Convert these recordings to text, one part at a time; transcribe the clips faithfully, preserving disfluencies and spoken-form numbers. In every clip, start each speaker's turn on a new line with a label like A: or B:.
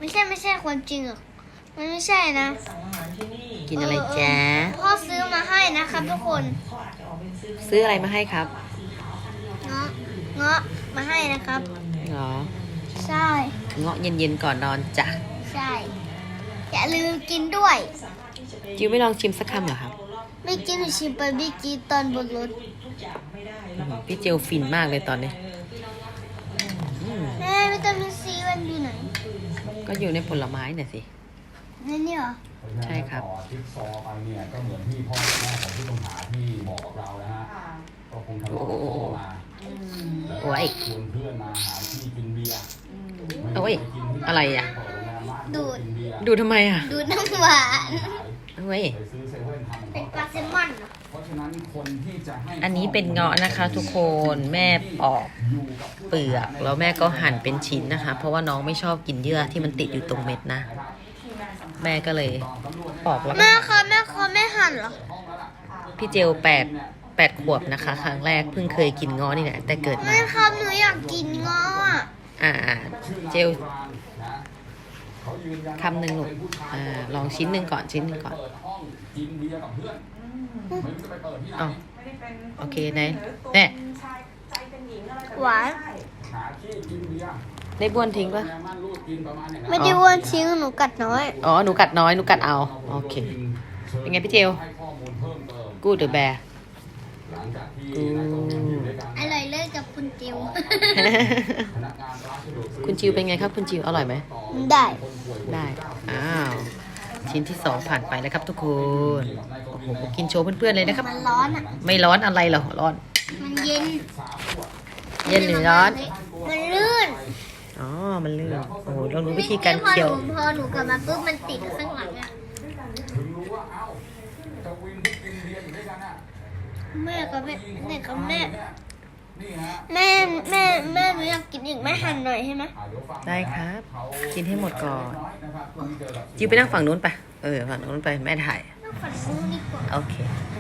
A: ไม่ใช่ไม่ใช่ความจริงหรอกมันไม่ใช่นะ
B: กินอะไรจ๊ะ
A: พ่อซื้อมาให้นะครับทุกคน
B: ซื้ออะไรมาให้ครับ
A: เงาะเงาะมาให้นะครับ
B: เหรอ
A: ใช่
B: เงาะเย็นๆก่อนนอนจ้ะ
A: ใช่อย่าลืมกินด้วย
B: จิวไม่ลองชิมสักคำเหรอครับ
A: ไม่กินหนูชิมไปเมื่อกี้ตอนบนรถ
B: อืมพี่เจลฟินมากเลยตอนนี้อืม
A: แม่วิตามินซีมันอยู่ไหน
B: ก็อยู่ในผลไม้น่ะสิ
A: นี่เนี่ยเหรอ
B: ใช่ครับ
C: ต่อทิปซอไปเนี่ยก็เหมือนที่พ่อแม่ของผู้ต้องหาที่บอกกับเรานะฮะก็คงทะเลาะกับพ่อมาแล้ว
B: โอ้ย
C: ชวนเพื่อนมาหาที่กินเบียร์
B: โอ้ยอะไรอ่ะ
A: ดูด
B: ดูทำไมอ่ะ
A: ดูดน้ำหวาน
B: เฮ้ย
C: ไปซื้อเซเว่นทำของ
A: เป็นป
C: เขา
A: ลาแซลมอนเหรอ
C: เพราะฉะนั้นคนที่จะให้
B: อันนี้เป็นเงาะนะคะทุกคน แม่ปอกเปลือกแล้วแม่ก็หั่นเป็นชิ้นนะคะ เพราะว่าน้องไม่ชอบกินเยื่อที่มันติดอยู่ตรงเม็ดนะ แม่ก็เลยปอกแล้วก็
A: แม่คะแม่คะแม่หั่นเหรอ
B: พี่เจลแปดแปดขวบนะคะ ครั้งแรกเพิ่งเคยกินเงาะนี่แหละแต่เกิดมา
A: แม่ครับหนูอยากกินเงาะอะ
B: อ่าเจล
C: เขายืนยัน
B: คำหนึ่งลูกอ่าลองชิ้นหนึ่งก่อนชิ้นหนึ่งก่อน
C: เปิดห้องกินเบียร์กับเพื่อนไม่รู้จะไปเปิดที่ไหน
B: อ๋อโอเคไหนแน่
A: หวาน
C: หาที่กินเบียร์
B: ได้บ้วนทิ้งปะ
C: แม่มั่นรูดกินประมาณอย่างนั้น
A: ไม่ได้อ้วนทิ้งหนูกัดน้อย
B: อ๋อหนูกัดน้อยหนูกัดเอาโอเค เป็นไงพี่เจล
C: ให้ข้อมูลเพิ่มเติม
B: กูดหรือแบร์
C: หลังจากที่นายตรงอยู่ด้วยกัน
A: อร่อยเลยกับคุณจิว
C: พนักงานร้านสะดวกซื้อ
B: คุณจิวเป็นไงครับคุณจิวอร่อยไหม
A: ได้
B: ได้อ้าวชิ้นที่สองผ่านไปแล้วครับทุกคนโอ้โหกินโชว์เพื่อนๆเลยนะครับ
A: มันร้อนอ่ะ
B: ไม่ร้อนอะไรหรอร้อน
A: มันเย็น
B: เย็นหรือร้อน
A: มันลื่น
B: อ๋อมันลื่นโอ้โหลองดูวิธีการเคี่ยว
A: พอหนูพอหนูกลับมาปุ๊บมันติดข้างหลังอ่ะ
C: ถึงรู้ว่าเอ้าจะวินที่กินเบียร์อยู่ด้วยกันอ่ะ
A: แม่กับแม่แม่กับแม่
C: นี่ฮะ
A: แม่แม่แม่หนูอยากกินอีกแม่หั่นหน่อยใช่ไหม
C: อ่าเดี๋ยวฟัง
B: ได้ครับ
C: เขา
B: กินให้หมดก่อน
C: น้อยนะครับคนที่เจอกับ
B: จิวไปนั่งฝั่งนู้นไปเออฝั่งนู้นไปแม่ถ่าย
A: ต้องฝันซื้อดีกว่า
B: โอเค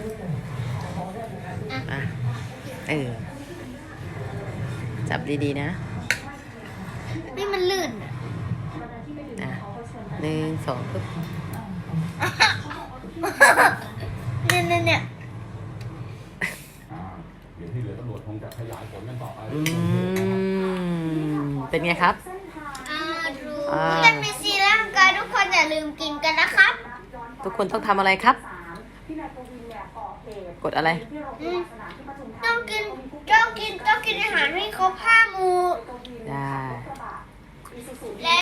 B: อ่ะเออจับดีๆนะ
A: นี่มันลื่นอะ
B: อ่ะหนึ่งสองปึ๊บ
A: เนี่ยเนี่ยเนี่ย
C: อ่าเดี๋ยวที่เหลือตำรวจคงจะขยายผลกันต่อไป
B: อืมเป็นไงครับ
A: อ่าดู
B: อ่า
A: มันมีซีร่างกายทุกคนอย่าลืมกินกันนะครับ
B: ทุกคนต้องทำอะไรครับ กดอะไร
A: อืมต้องกินต้องกินต้องกินอาหารให้ครบห้าหมู่
B: ได้
A: และ